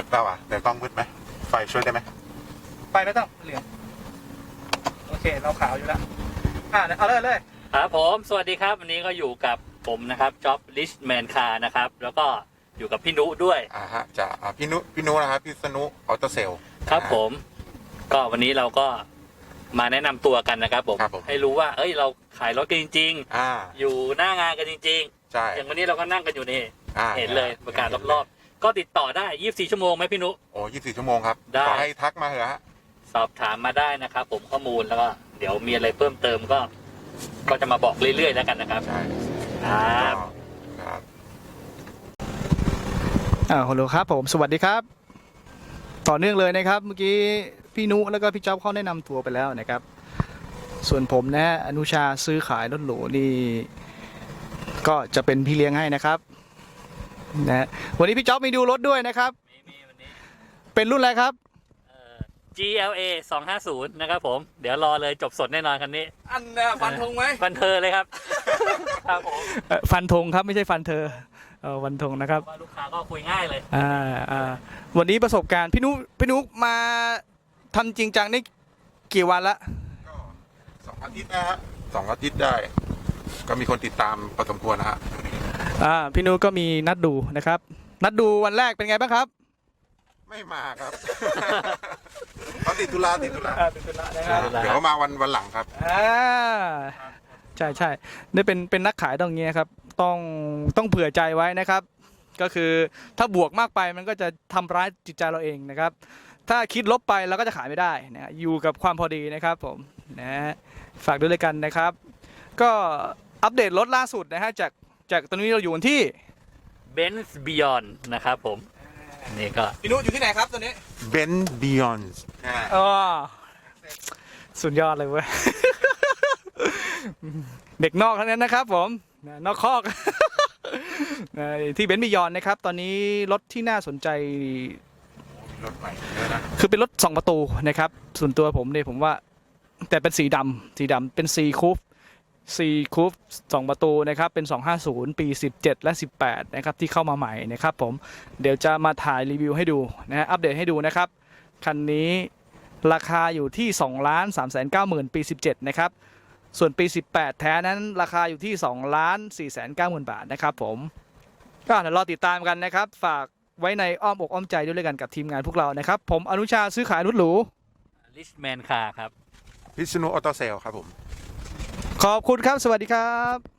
เปล่าแต่กล้องมืดไหมไฟช่วยได้ไหมไฟไม่ต้องเหลืองโอเคเราขาวอยู่แล้วเอาเลยครับผมสวัสดีครับวันนี้ก็อยู่กับผมนะครับจ็อบลิชแมนคาร์นะครับแล้วก็อยู่กับพี่นุด้วยฮะจะพี่นุนะครับพี่สนุออโตเซลครับผมก็วันนี้เราก็มาแนะนำตัวกันนะครับผมให้รู้ว่าเราขายรถกันจริงๆอยู่หน้างานกันจริงๆใช่อย่างวันนี้เราก็นั่งกันอยู่นี่เห็นเลยประกาศรอบๆก็ติดต่อได้24ชั่วโมงไหมพี่นุโอ้24ชั่วโมงครับขอให้ทักมาเถอะฮะสอบถามมาได้นะครับผมข้อมูลแล้วก็เดี๋ยวมีอะไรเพิ่มเติมก็จะมาบอกเรื่อยๆแล้วกันนะครับใช่ครับฮัลโหลครับผมสวัสดีครับต่อเนื่องเลยนะครับเมื่อกี้พี่นุแล้วก็พี่จ๊อบเขาแนะนำตัวไปแล้วนะครับส่วนผมนะอนุชาซื้อขายรถหรูนี่ก็จะเป็นพี่เลี้ยงให้นะครับนะวันนี้พี่จ๊อบมีดูรถด้วยนะครับมีวันนี้เป็นรุ่นอะไรครับ GLA 250นะครับผมเดี๋ยวรอเลยจบสดแน่นอนคันนี้ฟันธงไหมฟันเธอเลยครับครับผมฟันธงครับไม่ใช่ฟันเธอฟันธงนะครับลูกค้าก็คุยง่ายเลยวันนี้ประสบการณ์พี่นุมาทำจริงจังนี่กี่วันละก็2 อาทิตย์นะฮะ2 อาทิตย์ได้ก็มีคนติดตามพอสมควรนะฮะพี่นุก็มีนัดดูนะครับนัดดูวันแรกเป็นไงบ้างครับไม่มาครับเขาติดธุระนะครับเดี๋ยวเขามาวันหลังครับใช่นี่เป็นนักขายต้องเงี้ยครับต้องเผื่อใจไว้นะครับก็คือถ้าบวกมากไปมันก็จะทำร้ายจิตใจเราเองนะครับถ้าคิดลบไปเราก็จะขายไม่ได้นะอยู่กับความพอดีนะครับผมนะฝากด้วยเลยกันนะครับก็อัปเดตรถล่าสุดนะฮะจากตอนนี้เราอยู่ที่ Benz Beyond นะครับผมนี่ก็พี่นุอยู่ที่ไหนครับตอนนี้ Benz Beyond สุดยอดเลยเว้ยเด็กนอกทั้งนั้นนะครับผมนอกคอกที่Benz Beyondนะครับตอนนี้รถที่น่าสนใจรถใหม่เยอะนะคือเป็นรถ2 ประตูนะครับส่วนตัวผมเนี่ยผมว่าแต่เป็นสีดำเป็นC-Coupe 2 ประตูนะครับเป็น250ปี17และ18นะครับที่เข้ามาใหม่นะครับผมเดี๋ยวจะมาถ่ายรีวิวให้ดูนะอัปเดตให้ดูนะครับคันนี้ราคาอยู่ที่ 2,390,000 ปี17นะครับส่วนปี18แท้นั้นราคาอยู่ที่ 2,490,000 บาทนะครับผมก็เดี๋ยวรอติดตามกันนะครับฝากไว้ในอ้อมอกอ้อมใจด้วยกันกับทีมงานพวกเรานะครับผมอนุชาซื้อขายรถหรูลิชแมนคาร์ครับพิษณุออโตเซลครับผมขอบคุณครับสวัสดีครับ